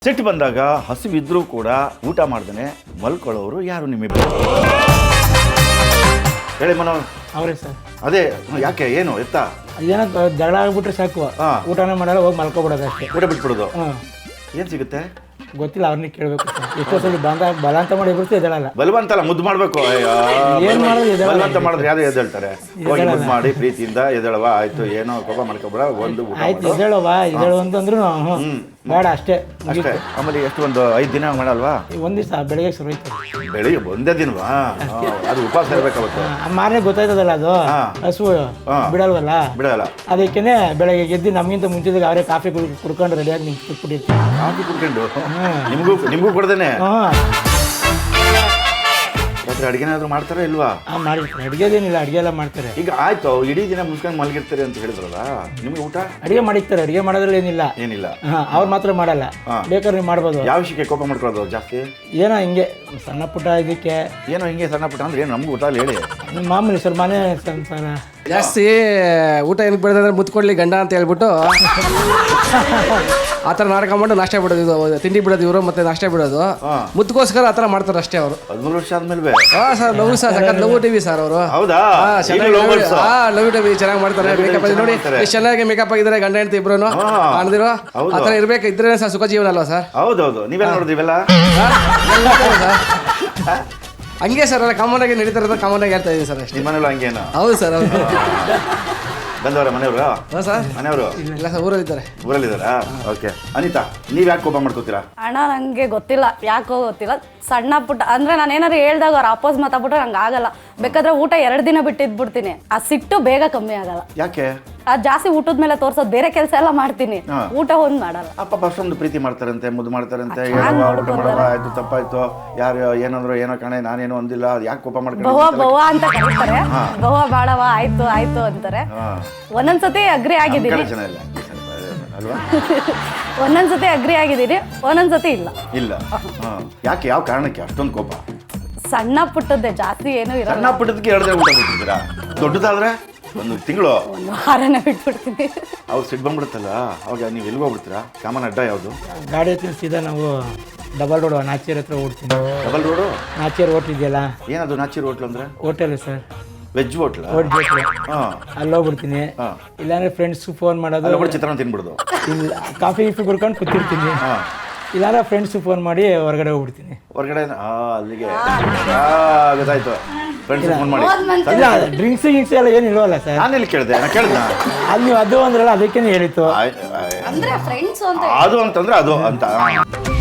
ಸಿಟ್ಟು ಬಂದಾಗ ಹಸಿವಿದ್ರೂ ಕೂಡ ಊಟ ಮಾಡ್ದೇನೆ ಮಲ್ಕೊಳ್ಳೋರು ಯಾರು ನಿಮ್ಮಿಬ್ಬರು? ಹೇಳಿ ಮನೋ. ಅವರೇ ಸರ್. ಅದೇ ಯಾಕೆ ಏನು ಎತ್ತ ಏನೋ ಜಗಳ ಆಗ್ಬಿಟ್ರೆ ಸಾಕು, ಊಟನೇ ಮಾಡಲ್ಲ, ಹೋಗಿ ಮಲ್ಕೊಬಿಡೋದು ಅಷ್ಟೇ. ಊಟ ಬಿಟ್ಬಿಡೋದು. ಏನು ಸಿಗುತ್ತೆ ಗೊತ್ತಿಲ್ಲ, ಅವ್ರನ್ನ ಕೇಳಬೇಕು. ಎಷ್ಟೋ ಸಲ ಬಲ ಅಂತ ಮಾಡಿ ಬಿಡ್ತು ಎದಳಲ್ಲ. ಬಲವಂತ ಅಲ್ಲ, ಮುದ್ದು ಮಾಡಬೇಕು. ಏನು ಮಾಡೋದು? ಬಲವಂತ ಮಾಡಿದ್ರೆ ಯಾರು ಎದ್ದೇಳ್ತಾರೆ? ಹೋಗಿ ಮುದ್ದು ಮಾಡಿ ಪ್ರೀತಿಯಿಂದ ಎದ್ದೇಳವ, ಆಯ್ತು ಏನೋ ಕೋಪ ಮಾಡ್ಕೊಬೇಡ, ಒಂದು ಊಟ ಆಯ್ತು ಎದ್ದೇಳವ ಎದ್ದೇಳು ಅಂತಂದ್ರು ಬೇಡ ಅಷ್ಟೇ ಅಷ್ಟೇ. ಆಮೇಲೆ ಎಷ್ಟು ಒಂದು 5 ದಿನ ಮಾಡಲ್ವಾ? ಒಂದ್ ದಿವಸ ಬೆಳಿಗ್ಗೆ ಶುರು ಆಯ್ತು. ಬೆಳಿಗ್ಗೆ ಒಂದೇ ದಿನವಾ? ಅದು ಉಪವಾಸ ಇರ್ಬೇಕಾಗುತ್ತೆ. ಮಾರನೇ ಗೊತ್ತಾಯ್ತದಲ್ಲ, ಅದು ಹಸು ಬಿಡಲ್ವಲ್ಲ, ಬಿಡಲ್ಲ. ಅದಕ್ಕೇನೆ ಬೆಳಗ್ಗೆ ಗೆದ್ದು ನಮ್ಗಿಂತ ಮುಂಚಿದಾಗ ಅವರೇ ಕಾಫಿ ಕುಡ್ಕೊಂಡು ರೆಡಿಯಾಗಿ ನಿಂತು ಕೂತ್ಬಿಟ್ಟಿರ್ತೀವಿ. ಕಾಫಿ ಕುಡ್ಕೊಂಡು ನಿಮಗೂ ಕೊಡ್ದೇನೆ ರಾತ್ರಿ ಅಡುಗೆ ಏನಾದ್ರು ಮಾಡ್ತಾರಾ ಇಲ್ವಾ? ಮಾಡಿರ್ತಾರೆ, ಅಡುಗೆದೇನಿಲ್ಲ, ಅಡುಗೆ ಎಲ್ಲ ಮಾಡ್ತಾರೆ. ಈಗ ಆಯ್ತು, ಇಡೀ ದಿನ ಮುಗಿಸ್ಕೊಂಡು ಮಲಗಿರ್ತಾರೆ ಅಂತ ಹೇಳಿದ್ರಲ್ಲ, ನಿಮ್ಗೆ ಊಟ ಅಡುಗೆ ಮಾಡಿರ್ತಾರೆ, ಅಡುಗೆ ಮಾಡೋದ್ರಲ್ಲಿ ಏನಿಲ್ಲ. ಅವ್ರು ಮಾತ್ರ ಮಾಡಲ್ಲ, ಬೇಕಾದ್ರೆ ನೀವು ಮಾಡ್ಬೋದು. ಯಾವ ವಿಷಯಕ್ಕೆ ಕೋಪ ಮಾಡ್ಕೊಳ್ಳೋದು ಜಾಸ್ತಿ? ಏನೋ ಹಿಂಗೆ ಸಣ್ಣ ಪುಟ್ಟ ಇದಕ್ಕೆ. ಏನೋ ಹಿಂಗೆ ಸಣ್ಣ ಪುಟ್ಟ ಅಂದ್ರೆ ಏನು ನಮ್ಗೆ ಊಟ ಅಲ್ಲಿ ಹೇಳಿ. ಮಾಮೂಲಿ ಸರ್, ಮನೆ ಸಂಸಾರ ಜಾಸ್ತಿ ಊಟ ಏನಕ್ಕೆ ಬಿಡೋದಂದ್ರೆ ಮುತ್ಕೊಡ್ಲಿ ಗಂಡ ಅಂತ ಹೇಳ್ಬಿಟ್ಟು ಆ ಥರ ನಾಟಕ ಮಾಡಿ ನಾಷ್ಟ ಬಿಡೋದು, ಇದು ತಿಂಡಿ ಬಿಡೋದು ಇವರು, ಮತ್ತೆ ನಾಷ್ಟ ಬಿಡೋದು ಮುತ್ಕೋಸ್ಕರ ಆ ಥರ ಮಾಡ್ತಾರೆ ಅಷ್ಟೇ ಅವರು. 13 ವರ್ಷ ಆದ್ಮೇಲೆ ಸರ್ ಲವ್ ಸರ್, ಸಖತ್ ಲವ್ ಟಿವಿ ಸರ್ ಅವರು. ಹೌದಾ? ಲವ್ ಟಿವಿ ಚೆನ್ನಾಗಿ ಮಾಡ್ತಾರೆ. ಮೇಕಪ್ ನೋಡಿ ಎಷ್ಟು ಚೆನ್ನಾಗಿ ಮೇಕಪ್ ಆಗಿದ್ದಾರೆ ಗಂಡ ಹೆಂಡತಿ ಇಬ್ರು ಕಾಣ್ದಿರೋ. ಆ ಥರ ಇರ್ಬೇಕು, ಇದ್ರೆ ಸರ್ ಸುಖ ಜೀವನ ಅಲ್ವಾ ಸರ್? ಹೌದೌದು. ನೀವೆಲ್ಲ ನೋಡಿದಿವೆಲ್ಲ ಹಂಗೆ ಸರ್, ಎಲ್ಲ ಕಾಮನ್ ಆಗಿ ನಡೀತಾ ಇರೋದು, ಕಾಮನ್ ಆಗಿ ಹೇಳ್ತಾ ಇದೀನಿ ಸರ್ ಅಷ್ಟೇ. ನಿಮ್ಮ ಮನೇಲಿ ಹಂಗೇನು? ಹೌದು ಸರ್. ಹೌದು ಬಂದವರ ಮನೆಯವರು? ಹಾಂ ಸರ್, ಮನೆಯವರು ಇಲ್ಲ ಸರ್, ಊರಲ್ಲಿದ್ದಾರೆ. ಊರಲ್ಲಿದ್ದಾರಾ? ಓಕೆ. ಅನಿತಾ, ನೀವ್ ಯಾಕೆ ಕೋಪ ಮಾಡ್ಕೋತೀರಾ? ಅಣ್ಣ ನಂಗೆ ಗೊತ್ತಿಲ್ಲ, ಯಾಕೋ ಗೊತ್ತಿಲ್ಲ. ಸಣ್ಣ ಪುಟ್ಟ ಅಂದ್ರೆ ನಾನು ಏನಾದ್ರು ಹೇಳ್ದಾಗ ಅವ್ರು ಅಪೋಸ್ ಮಾತಾಡ್ಬಿಟ್ರೆ ನಂಗೆ ಆಗಲ್ಲ. ಬೇಕಾದ್ರೆ ಊಟ 2 ದಿನ ಬಿಟ್ಟಿದ್ಬಿಡ್ತೀನಿ. ಆ ಸಿಟ್ಟು ಬೇಗ ಕಮ್ಮಿ ಆಗಲ್ಲ. ಯಾಕೆ? ಅದು ಜಾಸ್ತಿ ಊಟದ ಮೇಲೆ ತೋರ್ಸೋದು, ಬೇರೆ ಕೆಲಸ ಎಲ್ಲ ಮಾಡ್ತೀನಿ, ಊಟ ಒಂದ್ ಮಾಡಲ್ಲ. ಅಪ್ಪ ಅಷ್ಟೊಂದು ಪ್ರೀತಿ ಮಾಡ್ತಾರಂತೆ, ಮುದ್ದು ಮಾಡ್ತಾರಂತೆ, ಊಟ ಮಾಡಲ್ಲ, ಆಯ್ತು ತಪ್ಪಾಯ್ತು, ಯಾರು ಏನಂದ್ರು ಏನೋ ಕಣೆ, ನಾನೇನು ಅಂದಿಲ್ಲ, ಯಾಕೆ ಕೋಪ ಮಾಡ್ಕೊಂಡು ಬವ ಅಂತ ಕರೀತಾರೆ. ಬವ ಬಾಳವ, ಆಯ್ತು ಆಯ್ತು ಅಂತಾರೆ. ಒಂದೊಂದ್ಸತಿ ಅಗ್ರಿ ಆಗಿದ್ದೀನಿ, ಒಂದೊಂದ್ಸತಿ ಅಗ್ರಿ ಆಗಿದ್ದೀನಿ, ಒಂದೊಂದ್ಸತಿ ಇಲ್ಲ. ಯಾಕೆ? ಯಾವ ಕಾರಣಕ್ಕೆ ಅಷ್ಟೊಂದು ಕೋಪ? ಸಣ್ಣ ಪುಟ್ಟದ್ದೇ, ಜಾಸ್ತಿ ಏನು ಇರಲ್ಲ. ಸಣ್ಣ ಪುಟ್ಟದಕ್ಕೆ 2 ದಿನ ಊಟ ಬಿಟ್ಟಿದ್ದೀರಾ? ದೊಡ್ಡದಾದ್ರೆ 1 ತಿಂಗಳು, 1 ವಾರನೇ ಬಿಟ್ಬಿಡ್ತೀನಿ. ಅವ್ರು ಸಿಟ್ಟು ಬಂದ್ಬಿಡುತ್ತಲ್ಲ, ಅವಾಗ ನೀವು ಎಲ್ಲಿಗೆ ಹೋಗ್ಬಿಡ್ತೀರಾ? ಕಾಮನ್ ಅಡ್ಡ ಯಾವುದು? ಗಾಡಿ ಹತ್ತಿರ ಸೀದಾ ನಾವು ಡಬಲ್ ರೋಡ್ ನಾಚೇರ್ ಹತ್ರ ಓಡ್ತೀನಿ. Double road? ನಾಚೇರ್ ಹೋಟ್ಲ್ ಇದೆಯಲ್ಲ. ಏನದು ನಾಚೇರ್ ಹೋಟ್ಲ್ ಅಂದ್ರೆ? Hotel sir, veg hotel. ಅಲ್ಲಿ ಹೋಗ್ಬಿಡ್ತೀನಿ. ಇಲ್ಲಾಂದ್ರೆ ಫ್ರೆಂಡ್ಸ್ ಫೋನ್ ಮಾಡೋದು, ಚಿತ್ರಾನ್ನ ತಿನ್ಬಿಡೋದು, ಇಲ್ಲ ಕಾಫಿ ಕುಡ್ಕೊಂಡು ಕೂತಿರ್ತೀನಿ. ಇಲ್ಲಾಂದ್ರೆ ಫ್ರೆಂಡ್ಸ್ ಫೋನ್ ಮಾಡಿ ಹೊರಗಡೆ ಹೋಗ್ಬಿಡ್ತೀನಿ. ಹೊರಗಡೆ ಅಲ್ಲಿಗೆ ಗೊತ್ತಾಯ್ತು. ಫ್ರೆಂಡ್ಸ್ ಫೋನ್ ಮಾಡಿ. ಇಲ್ಲ ಡ್ರಿಂಕ್ಸ್ ಗಿಂಕ್ಸ್ ಎಲ್ಲ ಏನು ಇಲ್ವಲ್ಲ ಸರ್? ನಾನೆಲ್ಲಿ ಕೇಳಿದೆ? ನಾನು ಕೇಳಿದ ಅಲ್ಲಿ ನೀವು ಅದು ಅಂದ್ರಲ್ಲ, ಅದಕ್ಕೇನೆ ಹೇಳಿತ್ತು. ಅಂದ್ರೆ ಫ್ರೆಂಡ್ಸ್ ಅದು ಅಂತಂದ್ರೆ ಅದು ಅಂತ.